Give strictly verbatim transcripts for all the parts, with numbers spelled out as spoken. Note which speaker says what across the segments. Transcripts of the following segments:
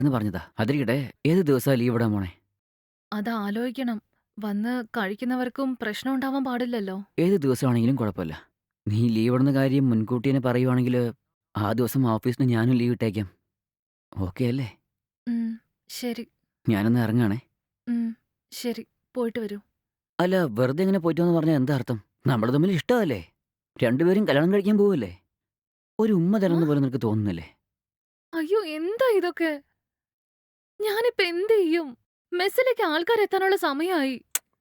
Speaker 1: എന്ന് പറഞ്ഞതാ. അതിരിക്കട്ടെ, ഏത് ദിവസാ ലീവ് ഇടാൻ പോണേ?
Speaker 2: അത് ആലോചിക്കണം. വന്ന് കഴിക്കുന്നവർക്കും പ്രശ്നം ഉണ്ടാവാൻ പാടില്ലല്ലോ.
Speaker 1: ഏത് ദിവസമാണെങ്കിലും കുഴപ്പമില്ല. നീ ലീവ് ഇടുന്ന കാര്യം മുൻകൂട്ടി തന്നെ പറയുവാണെങ്കിൽ ആ ദിവസം ഓഫീസിന്ന് ഞാനും ലീവ് ഇട്ടേക്കാം. ഓക്കെ അല്ലേ?
Speaker 2: ഉം. ശരി.
Speaker 1: ഞാനൊന്ന് ഇറങ്ങാണേ.
Speaker 2: ഉം. ശരി. പോയിട്ട് വരൂ.
Speaker 1: അല്ല, വെറുതെ ഇങ്ങനെ പോയിട്ട് വന്ന് പറഞ്ഞാൽ എന്താ അർത്ഥം? നമ്മൾ തമ്മിൽ ഇഷ്ടമല്ലേ? രണ്ടുപേരും കല്യാണം കഴിക്കാൻ പോവല്ലേ? ഒരു ഉമ്മ
Speaker 2: ആ?
Speaker 1: തരുന്ന പോലെ നിനക്ക് തോന്നുന്നില്ലേ?
Speaker 2: അയ്യോ! എന്താ ഇതൊക്കെ? ഞാനിപ്പ എന്തെയ്യും? മെസ്സിലേക്ക് ആൾക്കാരെത്താനുള്ള സമയായി.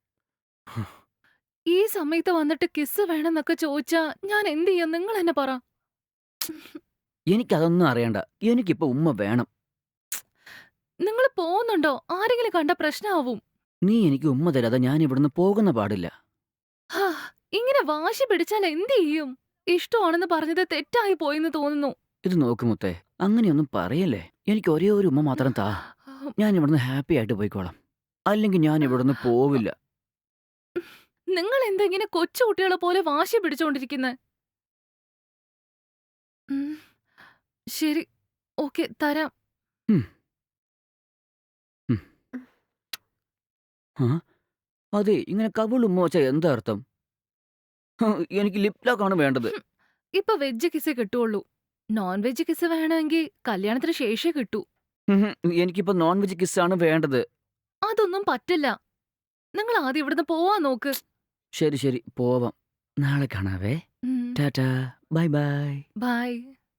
Speaker 2: ഈ സമയത്ത് വന്നിട്ട് കിസ് വേണന്നൊക്കെ ചോദിച്ചാ ഞാൻ എന്തെയ്യും? നിങ്ങളെന്നെ പറ.
Speaker 1: എനിക്കതൊന്നും അറിയണ്ട. എനിക്കിപ്പോ ഉമ്മ വേണം.
Speaker 2: നിങ്ങള് പോവുന്നുണ്ടോ? ആരെങ്കിലും കണ്ടാ പ്രശ്നാവും.
Speaker 1: നീ എനിക്ക് ഉമ്മ തരാതെ ഞാൻ ഇവിടുന്ന് പോകുന്ന പാടില്ല.
Speaker 2: ഹാ! ഇങ്ങനെ വാശി പിടിച്ചാൽ എന്തെയ്യും? ഇഷ്ടമാണെന്ന് പറഞ്ഞത് തെറ്റായി പോയെന്ന് തോന്നുന്നു.
Speaker 1: ഇത് നോക്ക് മുത്തേ, അങ്ങനെയൊന്നും പറയല്ലേ. എനിക്ക് ഒരേ ഒരു ഉമ്മ മാത്രം താ. ഞാൻ ഇവിടുന്ന് ഹാപ്പി ആയിട്ട് പോയിക്കോളാം. അല്ലെങ്കിൽ ഞാൻ ഇവിടുന്ന് പോവില്ല.
Speaker 2: നിങ്ങളെന്താ ഇങ്ങനെ കൊച്ചുകുട്ടികളെ പോലെ വാശി പിടിച്ചോണ്ടിരിക്കുന്നെ? ഉം. ശരി. ഓക്കെ തരാം.
Speaker 1: ഉം, ഉം. ആ? അതെ, ഇങ്ങനെ കവിളുമ്മ വെച്ചാ എന്താ അർത്ഥം? ഹ, എനിക്ക് ലിപ് ലോക്കാണ് വേണ്ടത്.
Speaker 2: ഹും. ഇപ്പൊ വെജ് കിസ്സേ കിട്ടുള്ളൂ. നോൺ വെജ് കിസ് വേണമെങ്കിൽ കല്യാണത്തിന് ശേഷേ കിട്ടൂ.
Speaker 1: ഉം, എനിക്കിപ്പോ നോൺ വെജ് കിസ്സാണ് വേണ്ടത്.
Speaker 2: അതൊന്നും പറ്റില്ല. നിങ്ങൾ ആദ്യം ഇവിടുന്ന് പോവാൻ നോക്ക്.
Speaker 1: ശരി ശരി, പോവാം. നാളെ കാണാവേ.
Speaker 2: ഉം.
Speaker 1: ടാറ്റാ. Bye bye.
Speaker 2: ബൈ.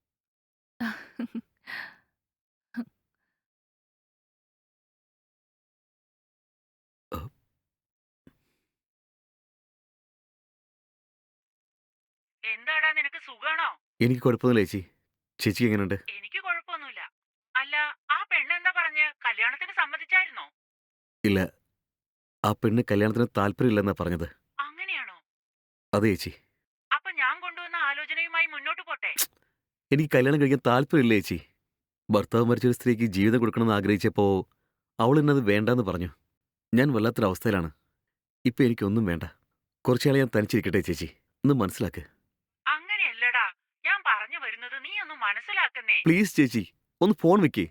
Speaker 3: എന്താടാ നിനക്ക് സുഖാണോ?
Speaker 4: എനിക്ക് കുഴപ്പമൊന്നുമില്ല ചേച്ചി. ചേച്ചിക്ക് എങ്ങനെയുണ്ട്?
Speaker 3: എനിക്ക് കുഴപ്പമൊന്നുമില്ല. അല്ല, ആ പെണ്ണെന്താ പറഞ്ഞ് കല്യാണത്തിന് സമ്മതിച്ചായിരുന്നോ?
Speaker 4: ഇല്ല, ആ പെണ്ണ് കല്യാണത്തിന് താല്പര്യമില്ലെന്നാ പറഞ്ഞത്.
Speaker 3: അങ്ങനെയാണോ?
Speaker 4: അതെ ചേച്ചി.
Speaker 3: അപ്പൊ ഞാൻ കൊണ്ടുവന്ന ആലോചനയുമായി മുന്നോട്ട് പോട്ടെ?
Speaker 4: എനിക്ക് കല്യാണം കഴിക്കാൻ താല്പര്യമില്ല ചേച്ചി. ഭർത്താവ് മരിച്ചൊരു സ്ത്രീക്ക് ജീവിതം കൊടുക്കണമെന്ന് ആഗ്രഹിച്ചപ്പോ അവൾ എന്നത് വേണ്ടാന്ന് പറഞ്ഞു. ഞാൻ വല്ലാത്തൊരവസ്ഥയിലാണ്. ഇപ്പൊ എനിക്കൊന്നും വേണ്ട. കുറച്ചാളെ ഞാൻ തനിച്ചിരിക്കട്ടെ ചേച്ചി. ഒന്ന് മനസ്സിലാക്ക്.
Speaker 3: അങ്ങനെയല്ലടാ, ഞാൻ പറഞ്ഞു വരുന്നത് നീ ഒന്ന് മനസ്സിലാക്കുന്നേ.
Speaker 4: പ്ലീസ് ചേച്ചി, ഒന്ന് ഫോൺ വെക്കേ.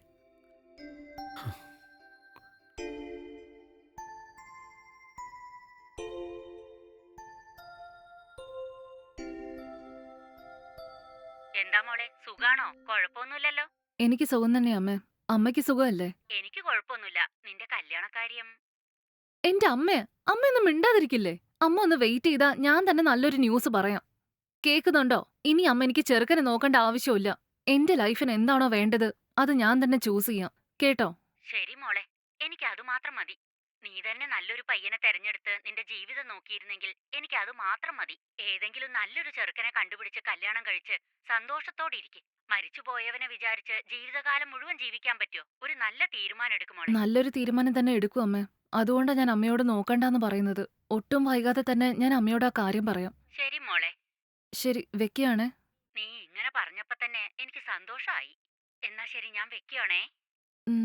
Speaker 3: എന്താ മോളെ, സുഖാണോ? കുഴപ്പമൊന്നുമില്ലല്ലോ.
Speaker 2: എനിക്ക് സുഖം തന്നെ അമ്മേ. അമ്മയ്ക്ക് സുഖമല്ലേ?
Speaker 3: എനിക്ക് കുഴപ്പമൊന്നുമില്ല. നിന്റെ കല്യാണക്കാര്യം.
Speaker 2: എന്റെ അമ്മേ, അമ്മയൊന്നും മിണ്ടാതിരിക്കില്ലേ? അമ്മ ഒന്ന് വെയിറ്റ് ചെയ്താ ഞാൻ തന്നെ നല്ലൊരു ന്യൂസ് പറയാം. കേക്കുന്നുണ്ടോ? ഇനി അമ്മ എനിക്ക് ചെറുക്കനെ നോക്കണ്ട ആവശ്യമില്ല. എന്റെ ലൈഫിന് എന്താണോ വേണ്ടത് അത് ഞാൻ തന്നെ ചൂസ് ചെയ്യാം. കേട്ടോ?
Speaker 3: ശരി മോളെ, എനിക്ക് അത് മാത്രം മതി. നീ തന്നെ നല്ലൊരു പയ്യനെ തെരഞ്ഞെടുത്ത് നിന്റെ ജീവിതം നോക്കിയിരുന്നെങ്കിൽ എനിക്ക് അത് മാത്രം മതി. ഏതെങ്കിലും നല്ലൊരു ചെറുക്കനെ കണ്ടുപിടിച്ച് കല്യാണം കഴിച്ച് സന്തോഷത്തോടെ ഇരിക്കും. മരിച്ചുപോയവനെ വിചാരിച്ച് ജീവിതകാലം മുഴുവൻ ജീവിക്കാൻ പറ്റുമോ? ഒരു നല്ല തീരുമാനം എടുക്കും മോളെ.
Speaker 2: നല്ലൊരു തീരുമാനം തന്നെ എടുക്കും അമ്മേ. അതുകൊണ്ടാ ഞാൻ അമ്മയോട് നോക്കണ്ടാന്ന് പറയുന്നത്. ഒട്ടും വൈകാതെ തന്നെ ഞാൻ അമ്മയോട് ആ കാര്യം പറയാം.
Speaker 3: ശരി മോളെ.
Speaker 2: ശരി, വെക്കുകയാണേ.
Speaker 3: നീ ഇങ്ങനെ പറഞ്ഞപ്പോ തന്നെ എനിക്ക് സന്തോഷമായി. എന്നാ ശരി, ഞാൻ വെക്കുകയാണേ.
Speaker 2: ഉം.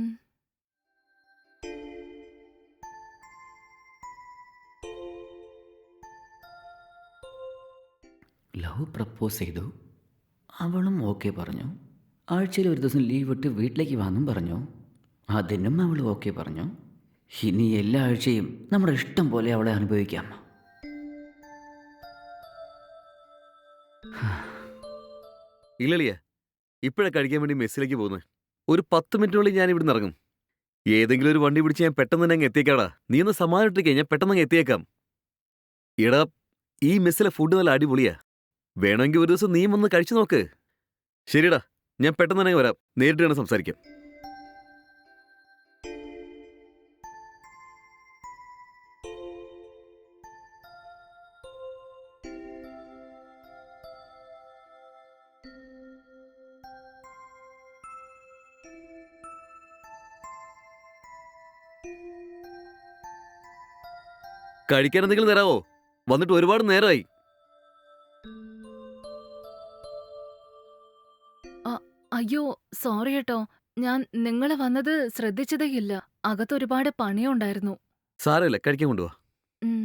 Speaker 1: ലവ് പ്രപ്പോസ് ചെയ്തു. അവളും ഓക്കെ പറഞ്ഞു. ആഴ്ചയിൽ ഒരു ദിവസം ലീവ് ഇട്ട് വീട്ടിലേക്ക് വന്നും പറഞ്ഞു. അതിനും അവൾ ഓക്കെ പറഞ്ഞു. ഇനി എല്ലാ ആഴ്ചയും നമ്മുടെ ഇഷ്ടം പോലെ അവളെ അനുഭവിക്കാം.
Speaker 4: ഇല്ലളിയ, ഇപ്പോഴാ കഴിക്കാൻ വേണ്ടി മെസ്സിലേക്ക് പോകുന്നത്. ഒരു പത്ത് മിനിറ്റിനുള്ളിൽ ഞാൻ ഇവിടുന്ന് ഇറങ്ങും. ഏതെങ്കിലും ഒരു വണ്ടി പിടിച്ച് ഞാൻ പെട്ടെന്ന് തന്നെ അങ്ങ് എത്തിയേക്കാടാ. നീ ഒന്ന് സമാധാനിട്ടിരിക്കേ, ഞാൻ പെട്ടെന്ന് അങ്ങ് എത്തിയേക്കാം. എടാ, ഈ മെസ്സിലെ ഫുഡ് നല്ല അടിപൊളിയാ. വേണമെങ്കിൽ ഒരു ദിവസം നീയും വന്ന് കഴിച്ചു നോക്ക്. ശരിടാ, ഞാൻ പെട്ടെന്ന് തന്നെ വരാം. നേരിട്ട് വേണം സംസാരിക്കാം. കഴിക്കാൻ എന്തെങ്കിലും തരാവോ? വന്നിട്ട് ഒരുപാട് നേരമായി.
Speaker 2: അ അയ്യോ, സോറി കേട്ടോ. ഞാൻ നിങ്ങള് വന്നത് ശ്രദ്ധിച്ചതേയില്ല. അകത്ത് ഒരുപാട് പണിയുണ്ടായിരുന്നു.
Speaker 4: സാരമില്ല, കഴിക്കാൻ കൊണ്ടുപോവാ.
Speaker 2: ഉം.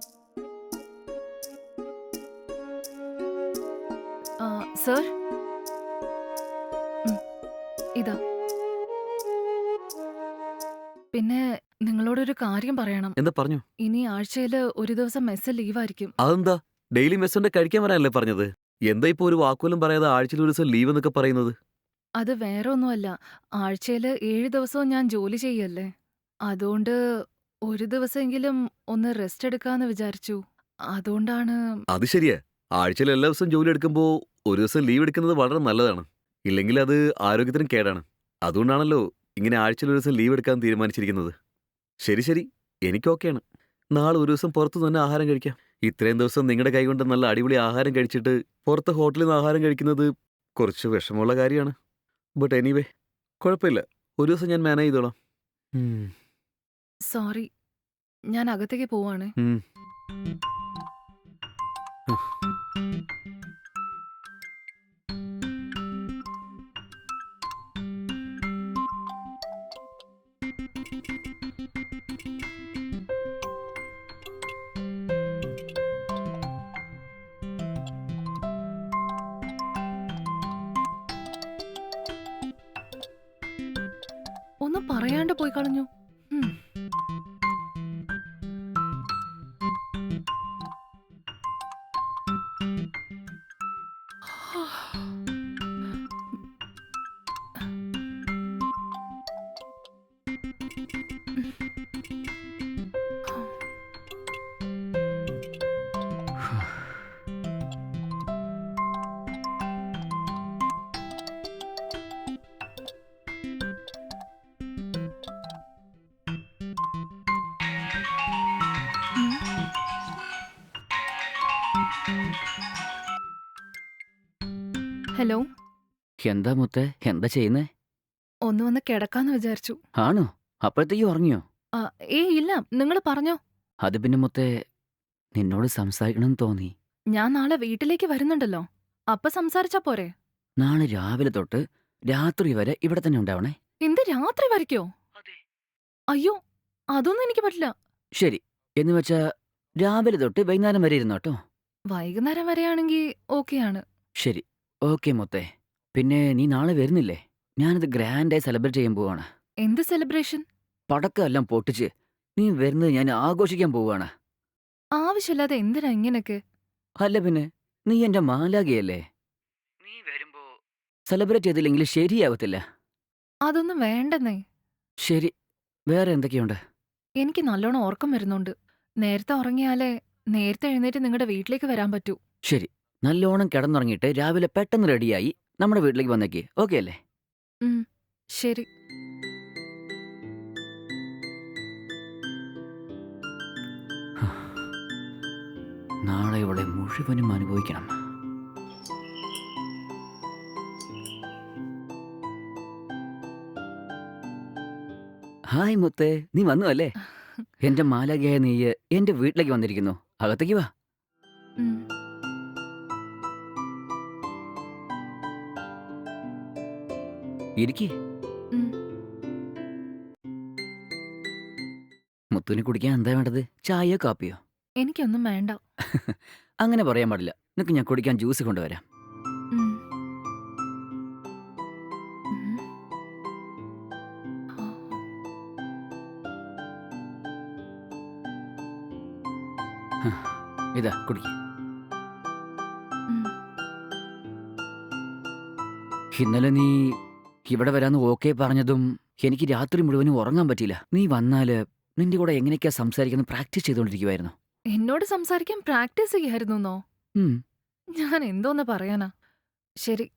Speaker 2: ആ, സർ? ഇതാ. പിന്നെ നിങ്ങളോടൊരു കാര്യം പറയണം.
Speaker 4: എന്താ പറഞ്ഞു?
Speaker 2: ഇനി ആഴ്ചയില് ഒരു ദിവസം മെസ്സ് ലീവായിരിക്കും.
Speaker 4: അതെന്താ? ഡെയിലി മെസ്സുണ്ട് കഴിക്കാൻ വരാനല്ലേ പറഞ്ഞത്? എന്താ ഇപ്പൊ ഒരു വാക്കുപോലും പറയാതെ ആഴ്ചയിൽ ഒരു ദിവസം ലീവ് എന്നൊക്കെ പറയുന്നത്?
Speaker 2: അത് വേറെ ഒന്നുമല്ല. ആഴ്ചയില് ഏഴ് ദിവസവും ഞാൻ ജോലി ചെയ്യല്ലേ. അതുകൊണ്ട് ഒരു ദിവസമെങ്കിലും ഒന്ന് റെസ്റ്റ് എടുക്കാന്ന് വിചാരിച്ചു. അതുകൊണ്ടാണ്.
Speaker 4: അത് ശരിയാ. ആഴ്ചയിൽ എല്ലാ ദിവസവും ജോലി എടുക്കുമ്പോ ഒരു ദിവസം ലീവ് എടുക്കുന്നത് വളരെ നല്ലതാണ്. ഇല്ലെങ്കിൽ അത് ആരോഗ്യത്തിനും കേടാണ്. അതുകൊണ്ടാണല്ലോ ഇങ്ങനെ ആഴ്ചയിൽ ഒരു ദിവസം ലീവ് എടുക്കാൻ തീരുമാനിച്ചിരിക്കുന്നത്. ശരി ശരി, എനിക്ക് ഓക്കെയാണ്. നാളെ ഒരു ദിവസം പുറത്തു തന്നെ ആഹാരം കഴിക്കാം. ഇത്രയും ദിവസം നിങ്ങളുടെ കൈകൊണ്ട് നല്ല അടിപൊളി ആഹാരം കഴിച്ചിട്ട് പുറത്തെ ഹോട്ടലിൽ നിന്ന് ആഹാരം കഴിക്കുന്നത് കുറച്ച് വിഷമമുള്ള കാര്യമാണ്. ബട്ട് എനിവേ കുഴപ്പമില്ല, ഒരു ദിവസം ഞാൻ മാനേജ് ചെയ്തോളാം. ഉം,
Speaker 2: സോറി. ഞാൻ അകത്തേക്ക് പോവാണ്.
Speaker 4: ഉം.
Speaker 2: ഒന്നും പറയാണ്ട് പോയി കളഞ്ഞു. ഉം. ഹലോ.
Speaker 1: എന്താ മുത്തേ, എന്താ ചെയ്യുന്നേ?
Speaker 2: ഒന്ന് വന്ന് കിടക്കാന്ന് വിചാരിച്ചു.
Speaker 1: ആണോ? അപ്പോഴത്തേക്കും ഉറങ്ങിയോ?
Speaker 2: ആ, ഏയ് ഇല്ല, നിങ്ങൾ പറഞ്ഞോ.
Speaker 1: അത് പിന്നെ മുത്തേ, നിന്നോട് സംസാരിക്കണമെന്ന് തോന്നി.
Speaker 2: ഞാൻ നാളെ വീട്ടിലേക്ക് വരുന്നുണ്ടല്ലോ. അപ്പൊ സംസാരിച്ചാ പോരെ?
Speaker 1: നാളെ രാവിലെ തൊട്ട് രാത്രി വരെ ഇവിടെ തന്നെ ഉണ്ടാവണേ.
Speaker 2: എന്ത് രാത്രി വരയ്ക്കോ? അയ്യോ, അതൊന്നും എനിക്ക് പറ്റില്ല.
Speaker 1: ശരി, എന്ന് വെച്ചാ രാവിലെ തൊട്ട് വൈകുന്നേരം വരെ ഇരുന്നോട്ടോ.
Speaker 2: വൈകുന്നേരം വരെയാണെങ്കി ഓക്കെയാണ്.
Speaker 1: ശരി, ഓക്കെ മുത്തേ. പിന്നെ നീ നാളെ വരുന്നില്ലേ? ഞാനത് ഗ്രാൻഡായി സെലിബ്രേറ്റ് ചെയ്യാൻ പോവാണ്.
Speaker 2: എന്ത് സെലിബ്രേഷൻ?
Speaker 1: പടക്കം എല്ലാം പൊട്ടിച്ച് നീ വരുന്നത് ഞാൻ ആഘോഷിക്കാൻ പോവാണ്.
Speaker 2: ആവശ്യമില്ലാതെ എന്തിനാ ഇങ്ങനൊക്കെ?
Speaker 1: അല്ല പിന്നെ, നീ എന്റെ മാലാകയല്ലേ. നീ വരുമ്പോ സെലിബ്രേറ്റ് ചെയ്തില്ലെങ്കിൽ ശരിയാവത്തില്ല.
Speaker 2: അതൊന്നും വേണ്ടെന്നേ.
Speaker 1: ശരി, വേറെ എന്തൊക്കെയുണ്ട്?
Speaker 2: എനിക്ക് നല്ലോണം ഉറക്കം വരുന്നുണ്ട്. നേരത്തെ ഉറങ്ങിയാലേ നേരത്തെ എഴുന്നേറ്റ് നിങ്ങളുടെ വീട്ടിലേക്ക് വരാൻ പറ്റൂ.
Speaker 1: ശരി, നല്ലോണം കിടന്നുറങ്ങിയിട്ട് രാവിലെ പെട്ടെന്ന് റെഡിയായി നമ്മുടെ വീട്ടിലേക്ക് വന്നേക്ക്. ഓക്കെ അല്ലേ?
Speaker 2: ഉം, ശരി.
Speaker 1: നാളെ ഇവിടെ മുഴുവനും അനുഭവിക്കണം. ഹായ് മുത്തേ, നീ വന്നു അല്ലേ? എന്റെ മാലാകയായ നീയ് എന്റെ വീട്ടിലേക്ക് വന്നിരിക്കുന്നു. അകത്തേക്ക് വാ.
Speaker 2: ഉം.
Speaker 1: ഇരിക്കേ.
Speaker 2: ഉം.
Speaker 1: മുത്തുവിന് കുടിക്കാൻ എന്താ വേണ്ടത്? ചായയോ കാപ്പിയോ?
Speaker 2: എനിക്കൊന്നും വേണ്ട.
Speaker 1: അങ്ങനെ പറയാൻ പാടില്ല. നിനക്ക് ഞാൻ കുടിക്കാൻ ജ്യൂസ് കൊണ്ടുവരാം.
Speaker 2: ഉം. ഉം. ആ.
Speaker 1: ഇതാ കുടിക്ക.
Speaker 2: ഉം.
Speaker 1: ഇന്നലെ നീ ഇവിടെ വരാന്ന് ഓക്കെ പറഞ്ഞതും എനിക്ക് രാത്രി മുഴുവനും ഉറങ്ങാൻ പറ്റിയില്ല. നീ വന്നാല് നിന്റെ കൂടെ എങ്ങനെയൊക്കെയാ സംസാരിക്കുന്ന പ്രാക്ടീസ് ചെയ്തുകൊണ്ടിരിക്കുവായിരുന്നു.
Speaker 2: എന്നോട് സംസാരിക്കാൻ പ്രാക്ടീസ് ചെയ്യായിരുന്നോ?
Speaker 1: ഉം.
Speaker 2: ഞാൻ എന്തോന്ന് പറയാനാ. ശരി,